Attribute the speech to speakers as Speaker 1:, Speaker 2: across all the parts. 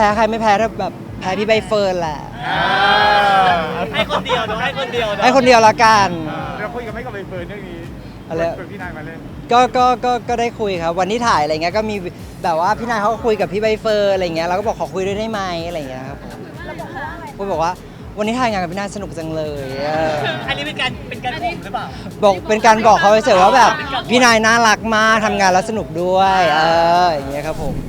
Speaker 1: พ้ใครไม่แพ้ถ้าแบบแพ้พี่ใบเฟิร์นแหละ
Speaker 2: ให้คนเดียวเนาะให้คนเดียวเนาะ
Speaker 1: ให้คนเดียวละกัน
Speaker 3: เราคุยกันไม่กับใบเฟิร์นเรื่องนี้
Speaker 1: อะไร
Speaker 3: ชวนพี่นายมาเล่น
Speaker 1: ก็ได้คุยครับวันที่ถ่ายอะไรเงี้ยก็มีแบบว่าพี่นายเขาก็คุยกับพี่ใบเฟิร์นอะไรเงี้ยเราก็บอกขอคุยด้วยได้ไหมอะไรเงี้ยครับผมบอกว่าวันนี้ถ่ายงานกับพี่นายสนุกจังเลย
Speaker 2: อันนี้เป็นการข่มหรือเปล่า
Speaker 1: บอกเป็นการบอกเขาเฉยๆว่าแบบพี่นายน่ารักมากทำงานแล้วสนุกด้วยอย่างเงี้ยครับผม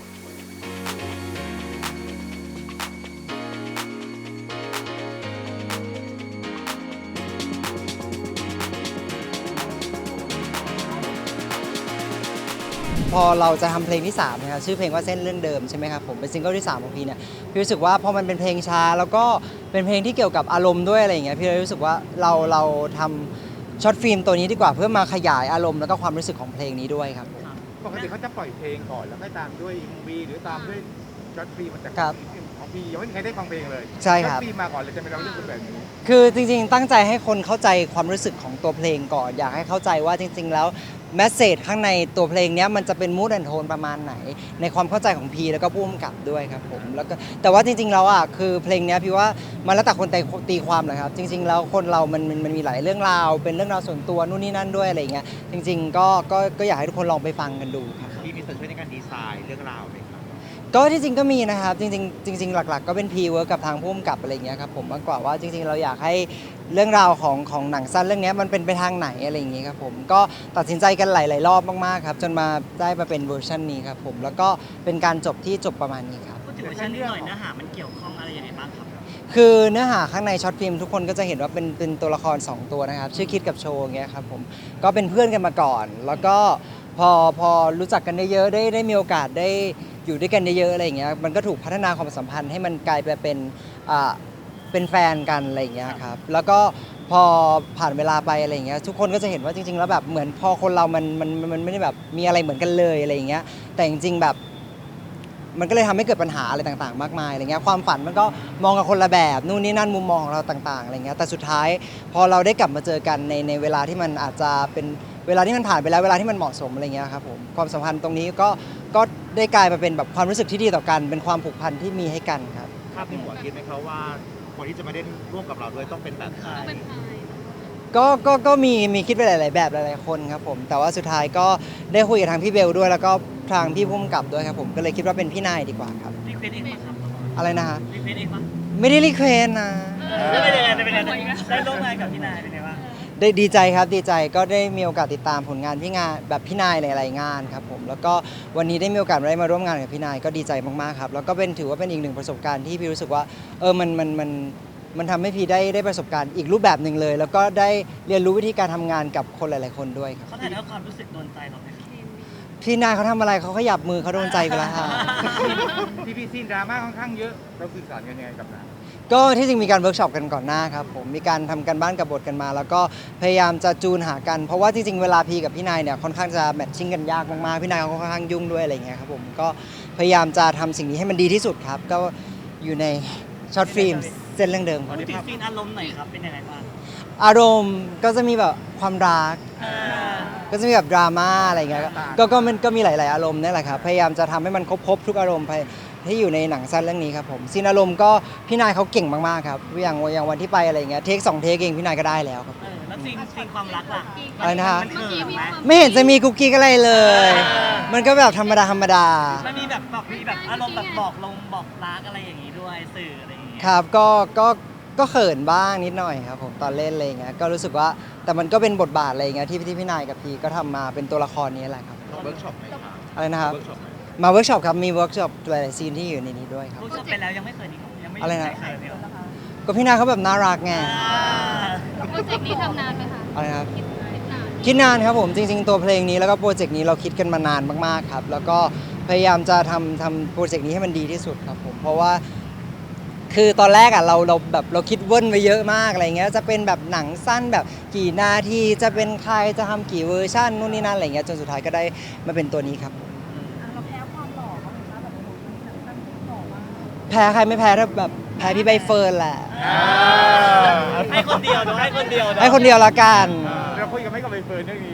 Speaker 1: พอเราจะทำเพลงที่3นะครับชื่อเพลงว่าเส้นเรื่องเดิมใช่ไหมครับผมเป็นซิงเกิลที่3ของพี่เนี่ยพี่รู้สึกว่าพอมันเป็นเพลงช้าแล้วก็เป็นเพลงที่เกี่ยวกับอารมณ์ด้วยอะไรอย่างเงี้ยพี่เลยรู้สึกว่าเราทำช็อตฟิล์มตัวนี้ดีกว่าเพื่อมาขยายอารมณ์แล้วก็ความรู้สึกของเพลงนี้ด้วยครับ
Speaker 3: ปกติเขาจะปล่อยเพลงก่อนแล้วค่อยตามด้วย MV หรือตามด้วยช็อตฟิล์มมันจะของพี่ยังไม่มีใครได้ฟังเพลงเลย
Speaker 1: ใช่ครับ
Speaker 3: ช็อตฟิล์มมาก่อนเลยจะไม่เราเรื่องแบบนี้
Speaker 1: คือจริงๆตั้งใจให้คนเข้าใจความรู้สึกของตัวเพลงก่อนอยากให้เข้าใจว่าจริงๆแล้วแมสเสจข้างในตัวเพลงนี้มันจะเป็นมูดแอนโทนประมาณไหนในความเข้าใจของพีแล้วก็ผู้กำกับด้วยครับผมแล้วก็แต่ว่าจริงๆแล้วคือเพลงนี้พี่ว่ามันแล้วแต่คนตีความแหละครับจริงๆแล้วคนเรามันมีหลายเรื่องราวเป็นเรื่องราวส่วนตัวนู่นนี่นั่นด้วยอะไรอย่างเงี้ยจริงๆก็อยากให้ทุกคนลองไปฟังกันดูครับ
Speaker 2: พี่มีส่วนช่วยในการดีไซน์เรื่องราวไหมครับ
Speaker 1: ก็ที่จริงก็มีนะครับจริงๆหลักๆก็เป็นพีเวิร์กกับทางผู้กำกับอะไรเงี้ยครับผมมากกว่าว่าจริงๆเราอยากให้เรื่องราวของหนังสั้นเรื่องนี้มันเป็นไปทางไหนอะไรอย่างงี้ครับผมก็ตัดสินใจกันหลายๆรอบมากๆครับจนมาได้มาเป็นเวอร์ชันนี้ครับผมแล้วก็เป็นการจบที่จบประมาณนี้ครับ
Speaker 2: พูดถึงเวอร์ชันนี้หน่อยเนื้อหามันเกี่ยวข้องอะไรยังไงบ้างครับ
Speaker 1: คือเนื้อหาข้างในช็อตฟิล์มทุกคนก็จะเห็นว่าเป็นตัวละคร2ตัวนะครับชื่อคิดกับโชว์อย่างเงี้ยครับผมก็เป็นเพื่อนกันมาก่อนแล้วก็พอรู้จักกันเยอะๆได้มีโอกาสได้อยู่ด้วยกันเยอะๆอะไรอย่างเงี้ยมันก็ถูกพัฒนาความสัมพันธ์ให้มันกลายไปเป็นแฟนกันอะไรอย่างเงี้ยครับแล้วก็พอผ่านเวลาไปอะไรอย่างเงี้ยทุกคนก็จะเห็นว่าจริงๆแล้วแบบเหมือนพอคนเรามันไม่ได้แบบมีอะไรเหมือนกันเลยอะไรอย่างเงี้ยแต่จริงๆแบบมันก็เลยทำให้เกิดปัญหาอะไรต่างๆมากมายอะไรเงี้ยความฝันมันก็มองกันคนละแบบนู่นนี่นั่นมุมมองของเราต่างๆอะไรเงี้ยแต่สุดท้ายพอเราได้กลับมาเจอกันในเวลาที่มันอาจจะเป็นเวลาที่มันผ่านไปแล้วเวลาที่มันเหมาะสมอะไรเงี้ยครับผมความสัมพันธ์ตรงนี้ก็ได้กลายมาเป็นแบบความรู้สึกที่ดีต่อกันเป็นความผูกพันที่มีให้กันครับ
Speaker 2: ภาพในหัวคิดไหมครับว่าคนที่จะมาเล่นร่วมกับเราด้วยต้องเป็นแบบไหน
Speaker 1: ก็มีคิดไปหลายๆแบบหลายๆคนครับผมแต่ว่าสุดท้ายก็ได้คุยกับทางพี่เบลด้วยแล้วก็ทางพี่พุ่มกับด้วยครับผมก็เลยคิดว่าเป็นพี่นายดีกว่าครับ
Speaker 2: รีเควสเองไหมครับ
Speaker 1: อะไรนะฮะ
Speaker 2: รีเควสเองปะ
Speaker 1: ไม่ได้รีเควสนะ
Speaker 2: ได้เป็นยังไงได้ร่วมงานกับพี่นายเป็นไงบ้าง
Speaker 1: ได้ดีใจครับดีใจก็ได้มีโอกาสติดตามผลงานพี่นายหลายๆงานครับผมแล้วก็วันนี้ได้มีโอกาสได้มาร่วมงานกับพี่นายก็ดีใจมากๆครับแล้วก็ถือว่าเป็นอีกหนึ่งประสบการณ์ที่พี่รู้สึกว่ามันทำให้พี่ได้ประสบการณ์อีกรูปแบบหนึ่งเลยแล้วก็ได้เรียนรู้วิธีการทำงานกับคนหลายๆคนด้วยครับ
Speaker 2: เขาถ่ายทอดความรู้สึกโดนใจเราไหม
Speaker 1: พี่นายเขาทำอะไรเขาขยับมือเขาโดนใจไปแล้วค่ะ
Speaker 3: ที่ซีนดราม่าค่อนข้างเยอะเราสื่อสารกันยังไงกับนาย
Speaker 1: ก็ที่จริงมีการเวิร์กช็อปกันก่อนหน้าครับผมมีการทำกันบ้านกับบทกันมาแล้วก็พยายามจะจูนหากันเพราะว่าจริงๆเวลาพีกับพี่นายเนี่ยค่อนข้างจะแมทชิ่งกันยากมากๆพี่นายเขาค่อนข้างยุ่งด้วยอะไรเงี้ยครับผมก็พยายามจะทำสิ่งนี้ให้มันดีที่สุดครับก็อยู่ในช็อตฟิล์มเส้นเรื่องเดิม
Speaker 2: พูดถึงซีนอารมณ์หน่อยครับเป็นยังไงบ้าง
Speaker 1: อารมณ์ก็จะมีแบบความรักก็จะมีแบบดราม่าอะไรเงี้ยก็มีหลายๆอารมณ์นี่แหละครับพยายามจะทำให้มันครบทุกอารมณ์ที่อยู่ในหนังสั้นเรื่องนี้ครับผมซีนอารมณ์ก็พี่นายเขาเก่งมากๆครับอย่างวันที่ไปอะไรเงี้ยเทค2 เทคเองพี่นายก็ได้แล้วครับ
Speaker 2: แล้วซีนความรักล่ะ
Speaker 1: อะไรนะฮะ
Speaker 2: ไม่
Speaker 1: เห็นจะมีกุ๊กกิ๊กอะไรเลยมันก็แบบธรรมดา
Speaker 2: มันมีแบบอารมณ์แบบบอกรักอะไรอย่างนี้ด้วยสื่ออะไรอย่างเงี้ย
Speaker 1: ครับก็เขินบ้างนิดหน่อยครับผมตอนเล่นอะไรเงี้ยก็รู้สึกว่าแต่มันก็เป็นบทบาทอะไรเงี้ยที่พี่นายกับพีก็ทำมาเป็นตัวละครนี้แหละครับ
Speaker 2: เวิร์กช็อปไหมครับ
Speaker 1: อะไรนะครับมาเวิร์กช็อปครับมีเวิร์กช็อปหลายๆซีนที่อยู่ในนี้ด้วยครับ
Speaker 2: เวิร์กช็อปไปแล้วยังไม่เคยนี่ยังไม่
Speaker 1: อะไรนะ
Speaker 2: ใครเลย
Speaker 1: ก็พี่นายเขาแบบน่ารักไง
Speaker 4: โปรเจกต์นี้ทำนานไหมคะ
Speaker 1: อะไรครับคิดนานครับผมจริงๆตัวเพลงนี้แล้วก็โปรเจกต์นี้เราคิดกันมานานมากๆครับแล้วก็พยายามจะทำโปรเจกต์นี้ให้มันดีที่สุดครับผมเพราะว่าคือตอนแรกเราคิดเว่นไปเยอะมากอะไรเงี้ยจะเป็นแบบหนังสั้นแบบกี่นาทีจะเป็นใครจะทำกี่เวอร์ชันนู่นนี่นั่นอะไรเงี้ยจนสุดท้ายก็ได้มาเป็นตัวนี้ครับ
Speaker 4: เราแพ้ความหล่อเขาไหมคะแบบหนังสั้นหล่อมาก
Speaker 1: แพ้ใครไม่แพ้ถ้าแบบแพ้พี่ใบเฟิร์นแหละ
Speaker 2: ให้คนเดียวเนาะให้คนเดียว
Speaker 1: ละกัน
Speaker 3: เราคุยกันไม่กับใบเฟิร์นเรื่องนี้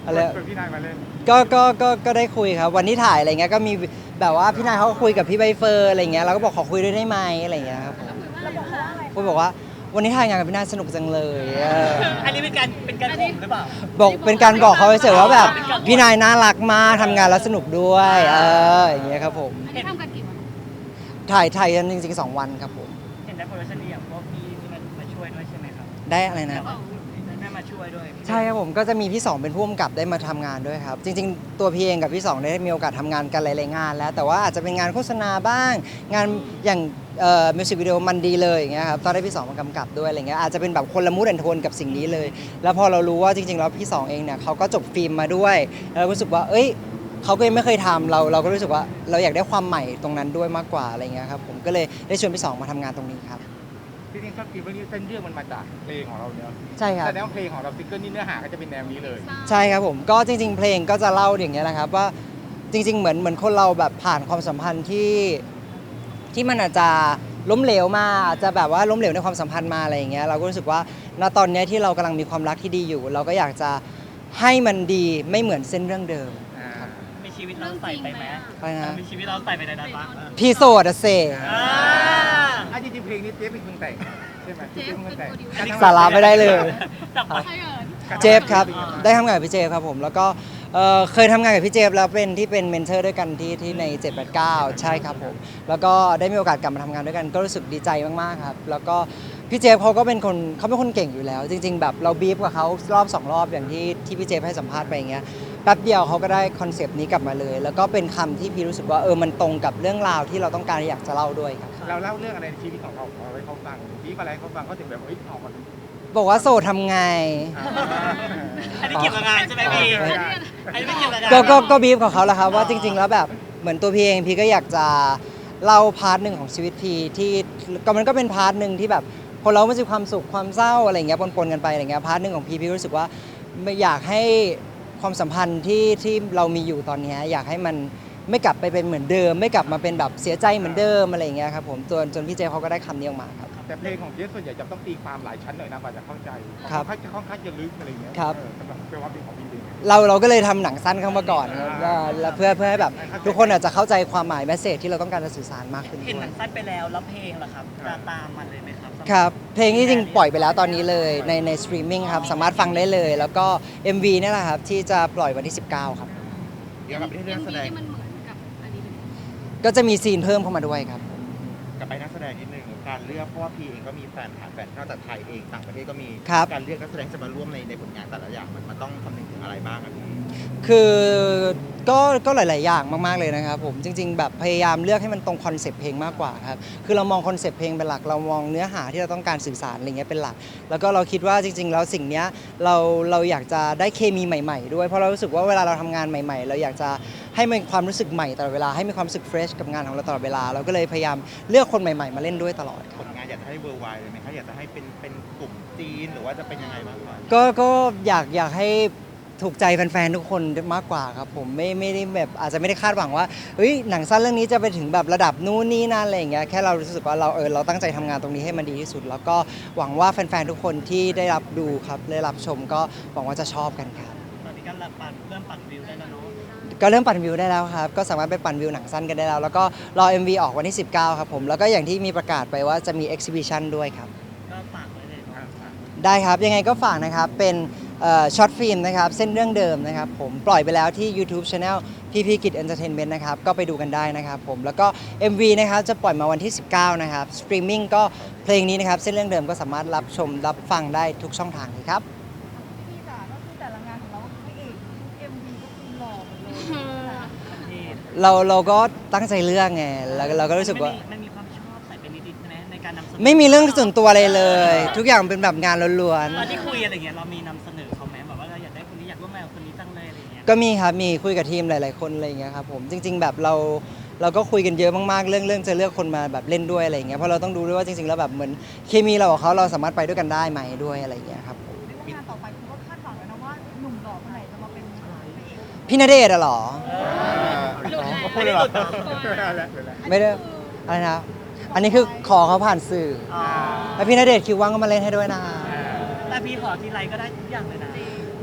Speaker 1: อะไร
Speaker 3: ชวนพี่นายมาเล่น
Speaker 1: ก็ได้คุยครับวันที่ถ่ายอะไรเงี้ยก็มีแบบว่าพี่นายเขาก็คุยกับพี่ใบเฟิร์นอะไรเงี้ยเราก็บอกขอคุยด้วยได้ไหมอะไรเงี้ยครับผม
Speaker 4: เราบอกเขาว่าอะไร
Speaker 1: คุยบอกว่าวันนี้ถ่ายงานกับพี่นายสนุกจังเลย
Speaker 2: อันนี้เป็นการข่มหรือเปล่า
Speaker 1: บอกเป็นการบอกเขาเฉยๆว่าแบบพี่นายน่ารักมากทำงานแล้วสนุกด้วยอย่างเงี้ยครับผม
Speaker 4: อันนี้ทำกันกี่วัน
Speaker 1: ถ่ายกันจริงๆ2 วันครับผม
Speaker 2: เห็นได้โปรดักชันดีอย่างพวกพี่ที่มันมาช่วยด้วยใช่ไหมครับ
Speaker 1: ได้อะไรนะ
Speaker 2: ได้มาช่วยด้วย
Speaker 1: ใช่ครับผมก็จะมีพี่สองเป็นผู้กำกับได้มาทำงานด้วยครับ จริงๆ ตัวพี่เองกับพี่สองได้มีโอกาสทำงานกันหลายๆงานแล้ว แต่ว่าอาจจะเป็นงานโฆษณาบ้าง งานอย่างมิวสิกวิดีโอมันดีเลยอย่างเงี้ยครับตอนได้พี่สองมากำกับด้วยอะไรเงี้ยอาจจะเป็นแบบคนละมูดแอนโทนกับสิ่งนี้เลย แล้วพอเรารู้ว่าจริงๆแล้วพี่สองเองเนี่ยเขาก็จบฟิล์มมาด้วยแล้วเรารู้สึกว่าเอ้ยเขาก็ยังไม่เคยทำเราก็รู้สึกว่าเราอยากได้ความใหม่ตรงนั้นด้วยมากกว่าอะไรเงี้ยครับผมก็เลยได้ชวนพี่สองมาทำงานตรงนี้ครับ
Speaker 3: ที่จริงชอบกินเรื่องนี้เส้นเรื่องมันมาจากเพลงของเราเนอะ
Speaker 1: ใช่ครับ
Speaker 3: แสดงว่าเพลงของเราซิงเกิลนี่เนื้อหาก็จะเป็นแนวนี้เลย
Speaker 1: ใช่ครับผมก็จริงๆเพลงก็จะเล่าอย่างเงี้ยนะครับว่าจริงๆเหมือนคนเราแบบผ่านความสัมพันธ์ที่มันอาจจะล้มเหลวมาอาจจะแบบว่าล้มเหลวในความสัมพันธ์มาอะไรอย่างเงี้ยเราก็รู้สึกว่าณตอนเนี้ยที่เรากำลังมีความรักที่ดีอยู่ เราก็อยากจะให้มันดีไม่เหมือนเส้นเรื่องเดิม
Speaker 2: มีชีวิตเราใส่ไปไหม
Speaker 1: ไปนะ
Speaker 2: มีชีวิตเราใส่ไปในนั้นปะ
Speaker 1: พี่โสดอะเซ
Speaker 3: จริงๆเพลงนี้เจ๊เป็นคนแต่งใช่ไหม
Speaker 4: เจฟ
Speaker 3: เป็นคนแต่ง
Speaker 4: เป็นโปรดิวเซอร์
Speaker 1: สาระไม่ได้เลย
Speaker 2: จับ
Speaker 4: ใช่เหรอ
Speaker 1: เจฟครับได้ทำงานกับพี่เจฟครับผมแล้วก็เคยทำงานกับพี่เจฟแล้วเป็นเมนเทอร์ด้วยกันที่ใน 789 ใช่ครับผมแล้วก็ได้มีโอกาสกลับมาทำงานด้วยกันก็รู้สึกดีใจมากๆครับแล้วก็พี่เจฟเขาเป็นคนเก่งอยู่แล้ว จริง ๆ แบบเราบีฟกับเขารอบ2 รอบอย่างที่พี่เจฟให้สัมภาษณ์ไปอย่างเงี้ยแป๊บเดียวเขาก็ได้คอนเซปต์นี้กลับมาเลย แล้วก็เป็นคำที่พี่รู้สึกว่ามันตรงกับเรื่องราวที่เราต้องการอยากจะเล่าด้วยครับ
Speaker 3: เราเล่าเรื่องอะไรในชีวิตของเราเอาไว้เขาฟังบีบอะไรเขาฟังเขาถึงแบบเฮ้ยออกมา
Speaker 1: บอกว่าโสดทำไง
Speaker 2: อันนี้เกี่ยวกับงานใช่ไหมพี่อันนี้ไม่เกี่ยวกับงาน
Speaker 1: ก็บีฟของเขาแหละครับว่าจริง ๆ แล้วแบบเหมือนตัวพี่เองพี่ก็อยากจะเล่าพาร์ทหนึ่งของชีวิตพี่ที่ก็มันก็เป็นพาร์ทหนึ่งที่แบบคนเราไม่มีความสุขความเศร้าอะไรอย่างเงี้ยปนๆกันไปอะไรเงี้ยพาร์ทหนึ่งของพี่รู้สึกว่าไม่อยากให้ความสัมพันธ์ที่เรามีอยู่ตอนเนี้ยอยากให้มันไม่กลับไปเป็นเหมือนเดิม ไม่กลับมาเป็นแบบเสียใจเหมือนเดิมอะไรอย่างเงี้ยครับผมจนพี่เจเขาก็ได้คำนี้ออกมาครับ
Speaker 3: แต่เพลงของเจ๊ส่วนใหญ่จะต้องตีความหลายชั้นหน่อยนะกว่าจะเข้าใจ
Speaker 1: ครับ
Speaker 3: ค่อนข้างจะลึกอะไรอย่างเงี้ย
Speaker 1: ครับ
Speaker 3: สำหรับเป็นว่าเพลงของพี่เป็นไง
Speaker 1: เราก็เลยทำหนังสั้นเข้ามาก่อนครับแล้วเพื่อให้แบบทุกคนอาจจะเข้าใจความหมายแมสเซจที่เราต้องการจะสื่อสารมากขึ้น
Speaker 2: เห็น
Speaker 1: ด้
Speaker 2: ห
Speaker 1: ว
Speaker 2: นั
Speaker 1: ย
Speaker 2: งสั้นไปแล้วแล้วเพลงล่ะครับจะตามมันเลยไหมครับ
Speaker 1: ครับเพลงที่จริงปล่อยไปแล้วตอนนี้เลยในสตรีมมิ่งครับสามารถฟังได้เลย แล้วก็ MV เนี่ยแหละครับที่จะปล่อยวันที่ 19 ครับ
Speaker 3: เดี๋ยวกลับไปที่เรื่องแสดง
Speaker 4: ที่มันเหมือนกับอันนี้เลย
Speaker 1: ก็จะมีซีนเพิ่มเข้ามาด้วยครับ
Speaker 3: กลับไปนักแสดงนิดนึงการเลือกเพราะว่าพี่เองก็มีแฟนนอกจากไทยเองต่างประเทศก็มี
Speaker 1: ครับ
Speaker 3: การเลือกนักแสดงจะมาร่วมในผลงานแต่ละอย่างมันต้องคำนึงถึงอะไรบ้างอะพี่
Speaker 1: คือก็หลาย ๆ อย่างมาก ๆ เลยนะครับผมจริง ๆ แบบพยายามเลือกให้มันตรงคอนเซปต์เพลงมากกว่าครับคือเรามองคอนเซปต์เพลงเป็นหลักเรามองเนื้อหาที่เราต้องการสื่อสารอะไรเงี้ยเป็นหลัก แล้วก็เราคิดว่าจริง ๆ แล้วสิ่งเนี้ยเราอยากจะได้เคมีใหม่ ๆ ด้วยเพราะเรารู้สึกว่าเวลาเราทำงานใหม่ ๆ เราอยากจะให้มันความรู้สึกใหม่ตลอดเวลาให้มีความรู้สึกเฟรชกับงานของเราตลอดเวลาเราก็เลยพยายามเลือกคนใหม่ ๆ มาเล่นด้วยตลอดค
Speaker 3: ผ
Speaker 1: รับ
Speaker 3: ลงานอยากจะให้เวอร์ไวเลยไหมคะอยากจะให้เป็นกลุ่มจีนหรือว่าจะเป็นยังไงบ้างคะ
Speaker 1: ก็อยากให้ถูกใจแฟนๆทุกคนมากกว่าครับผมไม่ได้แบบอาจจะไม่ได้คาดหวังว่าเฮ้ยหนังสั้นเรื่องนี้จะไปถึงแบบระดับนู้นนี่นั่นอะไรอย่างเงี้ยแค่เรารู้สึกว่าเราตั้งใจทำงานตรงนี้ให้มันดีที่สุด แล้วก็หวังว่าแฟนๆทุกคนที่ได้รับดูครับได้รับชมก็หวังว่าจะชอบกันครับ
Speaker 2: ตอนนี้ก็เริ่มปั่นวิวได้แล้วเนาะ
Speaker 1: ก็เริ่มปั่นวิวได้แล้วครับก็สามารถไปปั่นวิวหนังสั้นกันได้แล้วแล้วก็รอ MV ออกวันที่ 19 ครับผมแล้วก็อย่างที่มีประกาศไปว่าจะมี exhibition ด้วยครับ
Speaker 2: ก็ฝากไว้เลยเนาะ
Speaker 1: ได้ครับ ยังไงก็ฝากนะครับ เป็นช็อตฟิล์มนะครับ เส้นเรื่องเดิมนะครับ ผมปล่อยไปแล้วที่ YouTube Channel พี่กิจ Entertainment นะครับ ก็ไปดูกันได้นะครับผมแล้วก็ MV นะครับ จะปล่อยมาวันที่ 19 นะครับสตรีมมิ่งก็เพลงนี้นะครับ เส้นเรื่องเดิมก็สามารถรับชมรับฟังได้ทุกช่องทางเลยครับ
Speaker 4: พี่จ๋าก็คือแต่ละงานของเราพระเอกเอ็มวีก็คือหล่อหมดเลยนะ
Speaker 2: ที่
Speaker 1: เราก็ตั้งใจเลือกไงแล้วเราก็รู้สึกว่า
Speaker 2: มันมีความชอบใส่เป็นนิดๆใช่ไหมในการนำเสนอ
Speaker 1: ไม่มีเรื่องส่วนตัวอะไรเลย ทุกอย่างเป็นแบบงานล้วน
Speaker 2: ตอนที่คุยอะไรเงี้ยเรามีนำเสนอเขาไหมแบบว่าเราอยากได้คนนี้อยากร่วมงานกับคนนี้จังเลยอะไรเงี้ย
Speaker 1: ๆ ก็มีครับ มีคุยกับทีมหลาย ๆ คนอะไรอย่างเงี้ยครับผม จริง ๆ แบบเราก็คุยกันเยอะมาก ๆ เรื่องจะเลือกคนมาแบบเล่นด้วยอะไรอย่างเงี้ย เพราะเราต้องดูด้วยว่าจริง ๆ แล้วแบบเหมือนเคมีเรากับเขาเราสามารถไปด้วยกันได้ไหมด้วยอะไรอย่างเงี้ยครับผม
Speaker 4: เรียกว่างานต่อไปคือว่าคาดหวังแล้วนะว่าหนุ่มหล่อคนไหนจะมาเป็นพระเอก
Speaker 1: พี่ณเดชน์อะเหรอ
Speaker 3: พูดเลยเหรอ
Speaker 1: ไม่ได้อะไรนะ อันนี้คือขอเขาผ่านสื่อ
Speaker 2: อ๋อ
Speaker 1: แล้วพี่ณเดชน์คิวว่างก็มาเล่นให้ด้วยนะ
Speaker 2: แต่พี่ขอทีไรก็ได้ทุกอย่างเลยนะ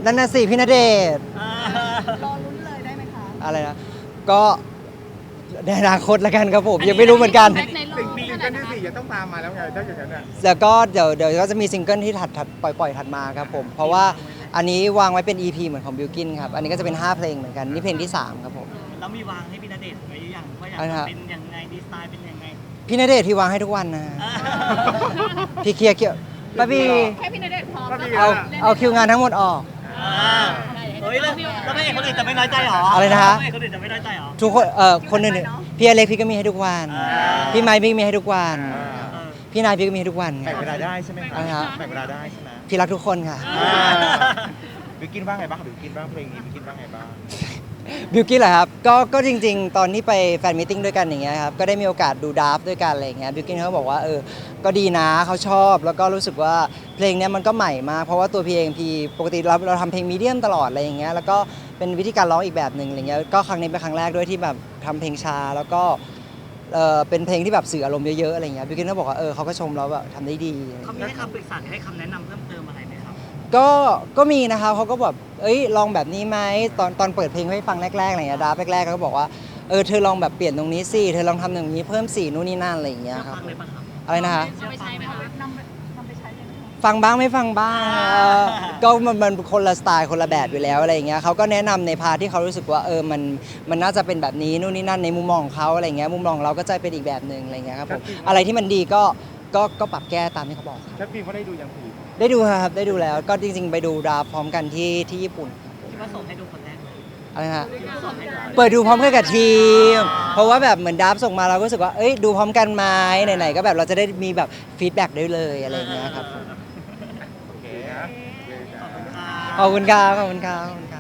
Speaker 1: นั่นน่ะสิพี่ณเดชน์
Speaker 4: รอลุ้นเลยได้ไหมคะ
Speaker 1: อะไรนะก็ในอนาคตละกันครับผมยังไม่รู้เหมือนกัน
Speaker 3: สิ่งซิงเกิลที่4จะต้องตามมาแล้วไงถ้าอย่างนั้นอ่ะ
Speaker 1: แล้วก็เดี๋ยวก็จะมีซิงเกิลที่ถัดปล่อยถัดมาครับผมเพราะว่าอันนี้วางไว้เป็น EP เหมือนของบิลกินครับอันนี้ก็จะเป็น5เพลงเหมือนกันนี่เพลงที่3ครับผม
Speaker 2: แล้วมีวางให้พี่ณเดชน์ไว้อย่างว่าอยาก
Speaker 1: อะไรนะ
Speaker 2: จะเป็นยังไงดีไซน์เป็นยังไง
Speaker 1: พี่ณเดชน์พี่วางให้ทุกวันนะพี่เคลียร์ป้าบี
Speaker 4: แค่พี่ณเดชน์พร้อม
Speaker 3: ก็ดี
Speaker 1: เอาคิวงานทั้งหมดออก
Speaker 2: เฮ้ยแล้วพระเอกคนอื่นจะไม่น้อยใจหรอ
Speaker 1: อะไรนะฮะ
Speaker 2: พระเอกคนอื่นจะไม่น้อยใจหรอ
Speaker 1: ทุกคนคนอื่นพี่อเล็กพี่ก็มีให้ทุกวัน พี่ไมค์พี่มีให้ทุกวัน
Speaker 2: เออ
Speaker 1: พี่นายพี่ก็มีให้ทุกวัน
Speaker 5: แบ่งเวลาได้ใช่ไหมคะ
Speaker 1: อะไรฮะ
Speaker 5: แบ่งเวลาได้ใช่ไหม
Speaker 1: พี่รักทุกคนค่ะ
Speaker 5: บิวกินบ้างไงบ้างบิวกินบ้างเพลงนี้บิวกินบ้างไงบ้าง
Speaker 1: บิวกี้เหรอครับก็จริงๆ ตอนที่ไปแฟนมิทติ้งด้วยกันอย่างเงี้ยครับก็ได้มีโอกาสดูดราฟต์ด้วยกันอะไรอย่างเงี้ยบิวกี้เขาบอกว่าก็ดีนะเขาชอบแล้วก็รู้สึกว่าเพลงเนี้ยมันก็ใหม่มากเพราะว่าตัวพี่เองพี่ปกติเราทำเพลงมีเดียมตลอดอะไรอย่างเงี้ยแล้วก็เป็นวิธีการร้องอีกแบบหนึ่งอะไรเงี้ยก็ครั้งนี้เป็นครั้งแรกด้วยที่แบบทำเพลงช้าแล้วก็เป็นเพลงที่แบบสื่ออารมณ์เยอะๆอะไรเงี้ยบิวกี้เขาบอกว่าเขาก็ชมเราแบบทำได้ดี
Speaker 2: เขามีให้คำปรึกษาหรือให้คำแนะนำเพิ่มเติมอะไรไหมครับ
Speaker 1: ก็มีนะครับเขาก็แบบลองแบบนี้ไหมตอนเปิดเพลงให้ฟังแรกๆอะไรอย่างเงี้ยดราฟแรกๆเขาก็บอกว่าเธอลองแบบเปลี่ยนตรงนี้สิเธอลองทำอย่างนี้เพิ่มสีนู่นนี่นั่นอะไรอย่างเงี้ยครับ
Speaker 2: ฟังเลยปะครับ
Speaker 1: อะไรนะฮะ
Speaker 2: เอาไปใช้ไหมครับ
Speaker 4: นำไปใช้เลยไหมคะ
Speaker 1: ฟังบ้างไม่ฟังบ้างก็มันคนละสไตล์คนละแบบอยู่แล้วอะไรอย่างเงี้ยเขาก็แนะนำในพาร์ทที่เขารู้สึกว่ามันน่าจะเป็นแบบนี้นู่นนี่นั่นในมุมมองของเขาอะไรอย่างเงี้ยมุมมองของเราก็จะเป็นอีกแบบหนึ่งอะไรอย่างเงี้ยครับผมอะไรที่มันดีก็ปรับแก้ตามที่เขาบอกครับ
Speaker 3: ชัดฟิล์มเขาได้ดูยังผี
Speaker 1: ได้ดูครับได้ดูแล้วก็จริงๆ ไปดูดราฟต์พร้อมกันที่ญี่ปุ่น
Speaker 2: คิดว่าส่งให้ดูคนแรกเลย
Speaker 1: อะไรนะฮะ
Speaker 2: คิดว่าส่งให้ดู
Speaker 1: เปิดดูพร้อมกันกับทีม เพราะว่าแบบเหมือนดราฟต์ส่งมาเราก็รู้สึกว่าดูพร้อมกันไหมไหนๆก็แบบเราจะได้มีแบบฟีดแบ็กได้เลยอะไรอย่างเงี้ยครับผม
Speaker 3: โอเคนะ
Speaker 1: ขอบคุณครับขอบคุณครับ